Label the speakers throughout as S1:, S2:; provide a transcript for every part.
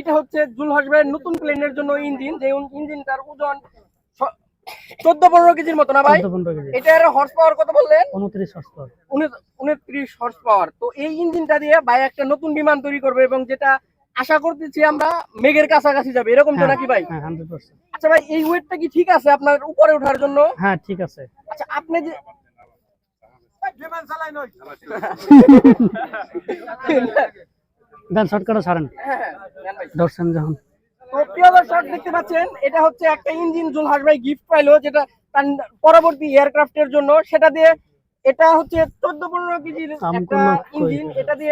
S1: এটা হচ্ছে জুলহাস ভাইয়ের নতুন প্লেনের জন্য ইঞ্জিন, যে ইঞ্জিনটার ওজন 14-15 কেজির মতো না ভাই? এটার হর্স পাওয়ার কত বললেন?
S2: 29 হর্স পাওয়ার।
S1: 29 horse power. তো এই ইঞ্জিনটা দিয়ে ভাই একটা নতুন বিমান তৈরি করবে, এবং যেটা আশা করতেছি আমরা মেঘের কাছাকাছি যাবে, এরকম তো নাকি ভাই?
S2: হ্যাঁ 100%।
S1: আচ্ছা ভাই, এই ওয়েটটা কি ঠিক আছে আপনার উপরে ওঠার জন্য?
S2: হ্যাঁ ঠিক আছে।
S1: আচ্ছা আপনি যে
S2: দেন শর্টকাটে ছাড়েন। দর্শন যখন
S1: তো প্রিয় দর্শক দেখতে পাচ্ছেন, এটা হচ্ছে একটা ইঞ্জিন জুলহাস ভাই গিফট পাইলো, যেটা তার পরবর্তী এয়ারক্রাফটের জন্য। সেটা দিয়ে এটা হচ্ছে 14-15 কেজির একটা ইঞ্জিন।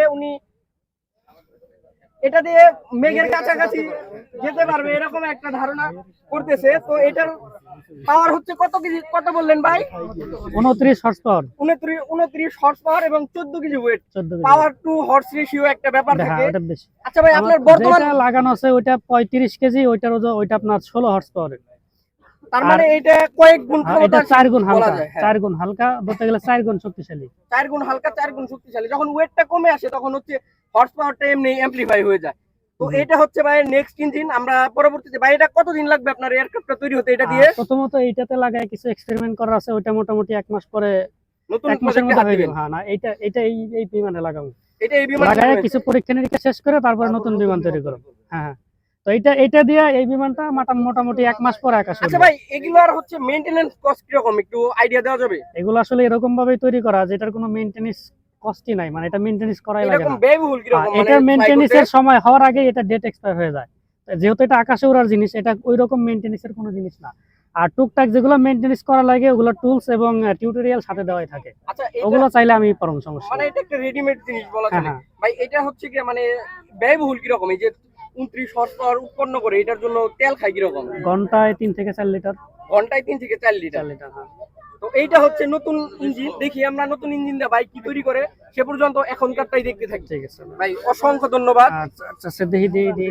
S1: এটা দিয়ে মেঘের কাছাকাছি যেতে পারবে এরকম একটা ধারণা করতেছে। তো এটার পাওয়ার হচ্ছে কত কেজি, কত বললেন ভাই?
S2: 29 হর্স পাওয়ার।
S1: 29 হর্স পাওয়ার এবং 14 KG weight. Power to horse ratio একটা ব্যাপার থাকে। আচ্ছা ভাই, আপনার বর্তমান
S2: লাগানো আছে ওইটা 35 কেজি, ওইটার ওইটা আপনার 16 হর্স পাওয়ারের।
S1: তার মানে এটা কয়েক গুণ
S2: এটা 4 গুণ হালকা, 4 গুণ হালকা বলতে গেলে 4 গুণ শক্তিশালী।
S1: 4 গুণ হালকা, 4 গুণ শক্তিশালী। যখন ওয়েটটা কমে আসে তখন হচ্ছে হর্স পাওয়ারটা এমনি অ্যামপ্লিফাই হয়ে যায়। তো এটা হচ্ছে ভাই নেক্সট ইঞ্জিন। আমরা পরবর্তীতে ভাই এটা কতদিন লাগবে আপনার এয়ারক্রাফটটা তৈরি হতে? এটা দিয়ে
S2: প্রথমত এইটাতে লাগায় কিছু এক্সপেরিমেন্ট করা আছে, ওইটা মোটামুটি 1 মাস পরে
S1: নতুন
S2: 1 মাসের মধ্যে হয়ে যাবে। হ্যাঁ না, এটা এই বিমানে লাগাবো।
S1: এটা এই বিমানে
S2: লাগায় কিছু পরীক্ষা নিরীক্ষা শেষ করে তারপর নতুন বিমান তৈরি করব। হ্যাঁ তো এটা দিয়ে এই বিমানটা মোটামুটি 1 মাস পরে আকাশে।
S1: আচ্ছা ভাই, এগুলার হচ্ছে মেইনটেনেন্স কস্ট কি রকম, একটু আইডিয়া দেওয়া যাবে?
S2: এগুলো আসলে এরকম ভাবে তৈরি করা যেটার কোনো মেইনটেনেন্স কস্টই নাই, মানে এটা মেইনটেনেন্স করাই লাগে না।
S1: ব্যয়বহুল কি রকম?
S2: এটা মেইনটেনেন্সের সময় হওয়ার আগে এটা ডেট এক্সপায়ার হয়ে যায়। যেহেতু এটা আকাশে ওড়ার জিনিস, এটা ওই রকম মেইনটেনেন্সের কোনো জিনিস না। আর টুকটাক যেগুলো মেইনটেনেন্স করা লাগে ওগুলো টুলস এবং টিউটোরিয়াল সাথে দেওয়াই থাকে।
S1: আচ্ছা
S2: ওগুলো চাইলে আমি পারবো, সমস্যা
S1: মানে এটা একটা রেডিমেড জিনিস বলা চলে। ভাই এটা হচ্ছে কি মানে ব্যয়বহুল কি রকম? এই যে 29 হর্স পাওয়ার উৎপন্ন করে, এটার জন্য তেল খায় কি রকম?
S2: ঘন্টায় 3 থেকে 4 লিটার।
S1: ঘন্টায় 3 থেকে 4 লিটার।
S2: হ্যাঁ।
S1: তো এইটা হচ্ছে নতুন ইঞ্জিন। দেখি আমরা নতুন ইঞ্জিন দিয়ে ভাই কি তৈরি করে, সে পর্যন্ত এখনকারটাই দেখতে থাকি।
S2: ঠিক আছে
S1: ভাই, অসংখ্য ধন্যবাদ।
S2: আচ্ছা আচ্ছা, দেখি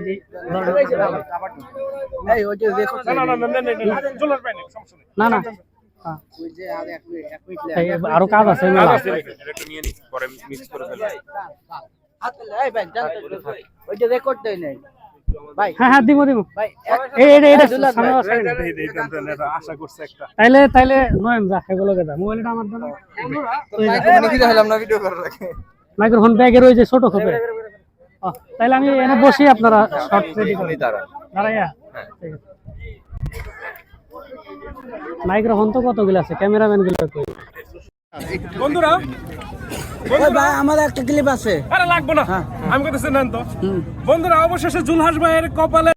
S1: এই ওই যে দেখো, না জুলহাস ভাই সমস্যা নেই।
S2: না
S1: ওই যে আর এক মিনিট
S2: আরো কাজ আছে,
S3: একটু নিয়ে নিস, পরে মিক্স করে ফেলবো।
S1: এই ভাই জানতে ওই যে রেকর্ড দেই নাই ভাই।
S2: হ্যাঁ দিব
S1: ভাই
S3: আশা করছে একটা।
S2: তাইলে নয়ন যা এগুলোকে দা, মোবাইলটা আমার দাও। মাইক্রোফোন ব্যাগের ওই যে ছোট খোপে। তাইলে আমি এনে বসি, আপনারা শর্ট রেডি করে দাঁড়াইয়া। ঠিক আছে। মাইক্রোফোন তো কতগুলো আছে, ক্যামেরাম্যান গুলো কই?
S3: বন্ধুরা
S1: ভাই আমার একটা ক্লিপ আছে।
S3: আরে লাগবে না, আমি কথা শুনেন তো। বন্ধুরা অবশেষে জুলহাস ভাইয়ের কপালে